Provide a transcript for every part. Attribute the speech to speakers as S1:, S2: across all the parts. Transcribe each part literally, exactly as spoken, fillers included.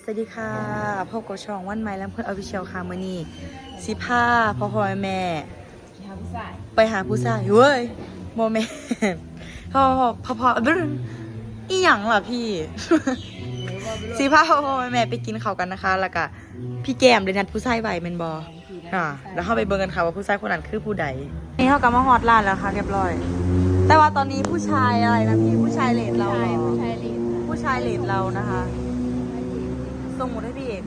S1: วัสดีค่ะพบกับช่องวันใหม่แล้วเพื่อนออฟฟิเชียลค่ะมื่อนี้สิพาพ่อพ่อแม่ไปหาผู้ชายเว้ยโมเมนต์พ่อพ่อพ่อพ่อบึ้งอีหยังล่ะพี่ สิพาพ่อพ่อแม่ไปกินข้าวกันนะคะแล้วก็พี่แก้มเดนัดผู้ชายใบเมนบออ่าแล้วเข้าไปเบิ่งกันค่ะว่าผู้ชายคนนั้นคือผู้ใดนี่เขากำมาฮอตร้านแล้วค่ะเรียบร้อย แต่ว่าตอนนี้ผู้ชายอะไรนะพี่ผู้ชายเลดเราเหรอ
S2: ผู้ชายเลด
S1: ผู้ชายเลดเรานะคะส่งหมดให้พี่เอก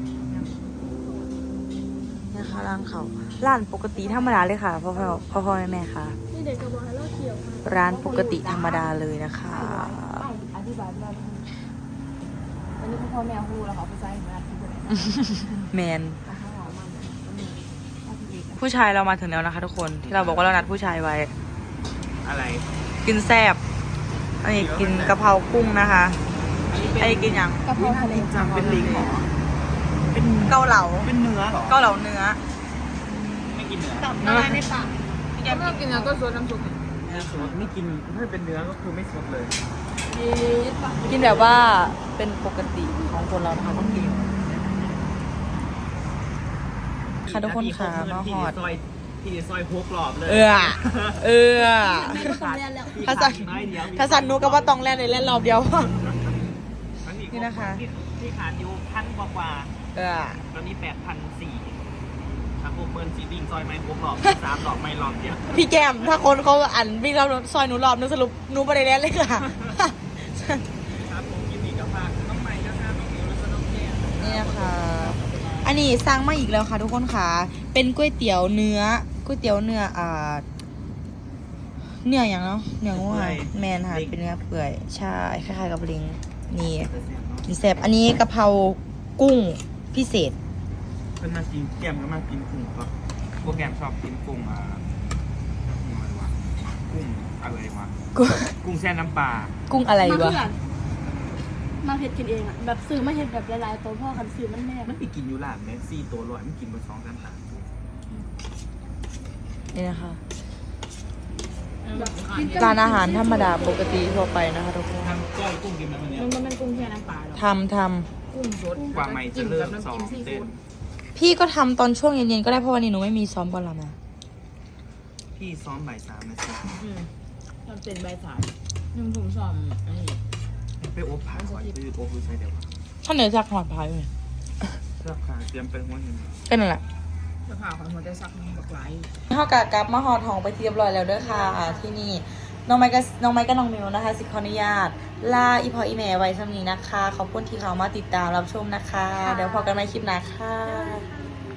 S1: นะคะร้านเขาร้านปกติธรรมดาเลยค่ะพ่อพ่อพ่อพ่อแม่แม่ค่ะ
S2: นี่เด็กกระบอกให้เราเที่ยวค่ะ
S1: ร้านปกติธรรมดาเลยนะคะ
S2: อธิบายว่าวันนี้พ่อแม่ฮู้แล้วเขาผู้ชายมาที่บริษัท
S1: แมน
S2: อาหารของมันมันมีอาทิตย์
S1: ผู้ชายเรามาถึงแล้วนะคะทุกคนที่เราบอกว่าเรานัดผู้ชายไว้
S3: อะไร
S1: กินแซ่บอันนี้กินกะเพรากุ้งนะคะไอ้กินยัง
S2: กระเพราทะเล
S3: จังเป็นลิงเหรอเป็น
S1: เกาเหลา
S3: เป็นเนื้อเหรอ
S1: เกาเหลาเนื้อ
S3: ไม่กินเนื้อ
S2: ตับละลายในปากถ้าไม่กินแล้วก็ซดน้ำซุป
S3: เนื้อสดไม่กินถ้าเป็นเนื้อก็คือไม่สดเลย
S2: ยีดปะ
S1: กินแบบว่าเป็นปกติของคนเรานะคะต้องกินค่ะทุกคนค่ะมาฮอด
S3: ซอยที่ซอยพกหลอบเลย
S1: เออเออ
S2: ไม่ก็ต้องเรียนแล้ว
S1: ถ้าสั่นถ้าสั่นนูก็ว่าต้องแล่นในเล่นรอบเดียว นี่นะคะ
S3: ที่ขาดอยู่พันกว่ากว่า
S1: เออ
S3: ตอนนี้แปดพันสี่ถ้าพวกเบิร์นซีวิ่งซอยไม้พกหลอบสามหลอบไม่หลอบเดียว
S1: พี่แก้มถ้าคนเขาอันวิ่งรอบซอยหนูรอบนึงสรุปหนูไปได้แล่นเลยค่ะ
S3: ครับผมยินดีกับฝากน้องใหม่นะคะน้องมิวและก็น้องแก้ม
S1: นี่นะคะ อันนี้สร้างมาอีกแล้วค่ะ ทุกคนค่ะ เป็นก๋วยเตี๋ยวเนื้อก๋วยเตี๋ยวเนื้ออ่าเนื้ออย่างเนาะเนื้อง่ายแมนค่ะเป็นเนื้อเปื่อยใช่คล้ายๆกับลิงนี่กินแซ่บอันนี้กะเพรากุ้งพิเศษ
S3: เป็นมากินแก้มก็มากินกุ้งครับพวกแก้มชอบกินกุ้งอ่ากุ้งอะไรวะกุ้งอะไรวะ
S1: กุ้ง
S3: กุ้งแช่น้ำปลา
S1: กุ้งอะไร
S2: มาเพื่
S1: วะ
S2: อนมาเห็ดกินเองอ่ะแบบซื้อมาเห็ดแบบหลายๆตัวพ่อคันซื้อมันแม่
S3: มันไปกินอยู่ร้านแม็กซี่ตัวลอยมันกินมาสองกันหา
S1: นี่นะคะ
S2: แบบกิน
S1: ร้านอาหารธรรมดาปกติทั่วไปนะคะทุกคน
S3: ทำก้อยกุ้งกินแบบนี้
S2: มันมันเป็นกุ้งแช่น้ำปลาหรอ
S1: ทำท
S2: กุ้งสด
S3: กว่าไม่จะเริ่มสองเต้น
S1: ำพี่ก็ทำตอนช่วงเย็นๆก็ได้เพราะวันนี้หนูไม่มีซ้อมบอลละมา
S3: พี่ซ้อมบ่ายสามนะสิ
S2: ทำเป็นใบสายยังผมสอนอันนี้
S3: ไปอบผ่าก่อนคืออบคือใช่เดี๋ยว
S1: ถ้าเหนือจากหอดพายไหม
S3: เสื้อผ้าเตรียมไปหัวหิน
S1: ก็นั่นแหละ
S2: จะผ่าของหัวใจซักมันบักไหล
S1: เข้ากะกลับมาหอทองไปที่เรียบร้อยแล้วเด้อค่ะที่นี่น้องไม้กับน้องไม้กับน้องมิวนะคะสิขออนุญาตลาอีพออีแม่ไว้สำนี้นะคะขอบคุณที่เขามาติดตามรับชมนะคะ เดี๋ยวพอกันใหม่คลิปหน้าค่ะ